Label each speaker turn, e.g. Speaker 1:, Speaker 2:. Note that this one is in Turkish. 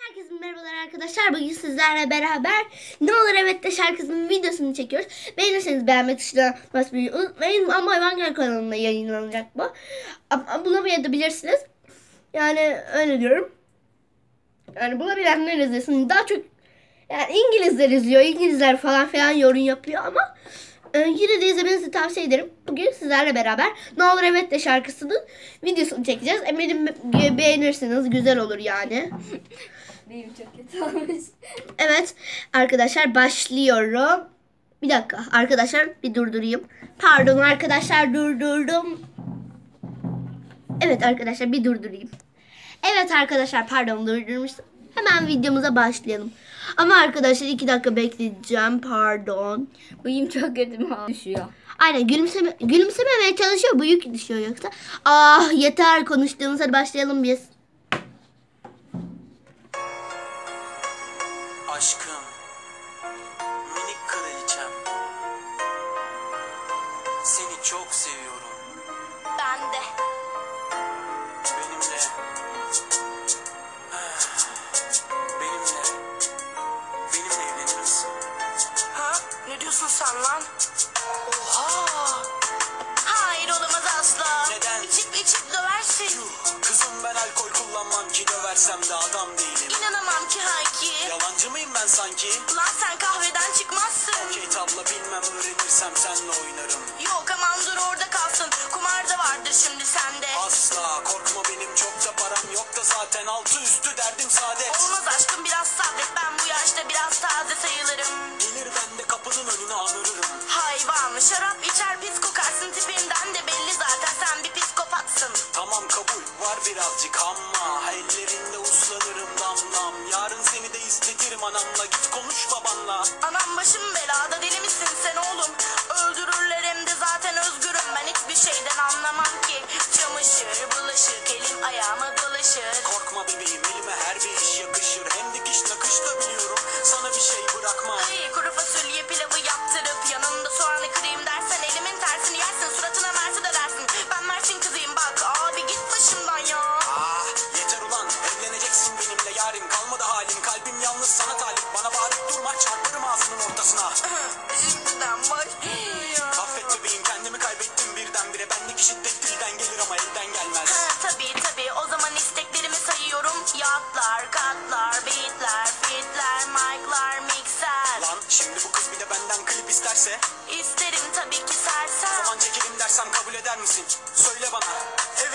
Speaker 1: Herkese merhabalar arkadaşlar. Bugün sizlerle beraber Ne Olur Evet De şarkısının videosunu çekiyoruz. Beğenirseniz beğenme tuşuna basmayı unutmayın. Ama Hayvan kanalında yayınlanacak bu. Ama bulamayabilirsiniz. Yani öyle diyorum. Yani bulabilenler izlesin. Daha çok yani İngilizler izliyor. İngilizler falan filan yorum yapıyor ama yine de izlemenizi tavsiye ederim. Bugün sizlerle beraber Ne Olur Evet De şarkısının videosunu çekeceğiz. Eminim beğenirsiniz. Güzel olur yani.
Speaker 2: Benim çok kötü olmuş.
Speaker 1: Evet arkadaşlar başlıyorum. Bir dakika arkadaşlar bir durdurayım. Pardon arkadaşlar durdurdum. Evet arkadaşlar bir durdurayım. Evet arkadaşlar pardon durdurmuştum. Hemen videomuza başlayalım. Ama arkadaşlar 2 dakika bekleyeceğim pardon.
Speaker 2: Bıyım çok kötü düşüyor.
Speaker 1: Aynen gülümsememeye çalışıyor bıyık düşüyor yoksa. Ah yeter konuştuğumuz hadi başlayalım biz.
Speaker 3: Aşkım, minik kraliçem, seni çok seviyorum.
Speaker 2: Ben de.
Speaker 3: Benimle, benimle evlenir misin?
Speaker 4: Ha? Ne diyorsun sen lan?
Speaker 3: Oha!
Speaker 4: Hayır olamaz asla.
Speaker 3: Neden?
Speaker 4: İçip döversin.
Speaker 3: Yuh, kızım ben alkol kullanmam ki döversem de adam değilim.
Speaker 4: İnanamam ki Hayki.
Speaker 3: Yalancı mıyım ben sanki?
Speaker 4: Lan sen kahveden çıkmazsın.
Speaker 3: Okey tabla bilmem öğrenirsem senle oynarım.
Speaker 4: Yok aman dur orada kalsın. Kumar da vardır şimdi sende.
Speaker 3: Asla korkma benim çok da param yok da zaten altı üstü derdim saadet.
Speaker 4: Olmaz aşkım biraz sabret. Ben bu yaşta biraz taze sayılırım.
Speaker 3: Gelir ben de kapının önüne anırırım.
Speaker 4: Hayvan şarap içer pis kokarsın. Tipinden de belli zaten sen bir psikopatsın.
Speaker 3: Tamam kabul var birazcık ama ellerinde uslanırım damlam. Yarın seni de istetirim anamla, git konuş babanla.
Speaker 4: Anam başım belada, deli misin sen oğlum? Öldürürler hem de zaten özgürüm. Ben hiçbir şeyden anlamam ki. Çamaşır, bulaşık, elim ayağıma dolaşır.
Speaker 3: Korkma bebeğim, elime her bir iş yakışır. Hem dikiş nakış da biliyorum, sana bir şey bırakmam.
Speaker 4: Ay, kuru fasulye pilavı yaptırıp yanında soğanı kırayım dersen elimin tersini yersin, suratına mersi de dersin. Ben Mersin kızıyım bak abi, git başımdan ya.
Speaker 3: Ah yeter ulan, evleneceksin benimle yarim. Kalmadı halim, kalbim yalnız sana talip. Bana bağırıp durma, çarparım ağzının ortasına.
Speaker 4: Şimdiden başlıyor.
Speaker 3: Affet bebeğim, kendimi kaybettim birdenbire. Bendeki şiddet dilden gelir ama elden gelmez.
Speaker 4: Tabii o zaman isteklerimi sayıyorum. Yatlar, katlar, beatler, fitler, mic'lar, mikser.
Speaker 3: Lan şimdi bu kız bir de benden klip isterse?
Speaker 4: İsterim tabii ki
Speaker 3: O
Speaker 4: sersem.
Speaker 3: zaman çekelim dersem kabul eder misin? Söyle bana. Evet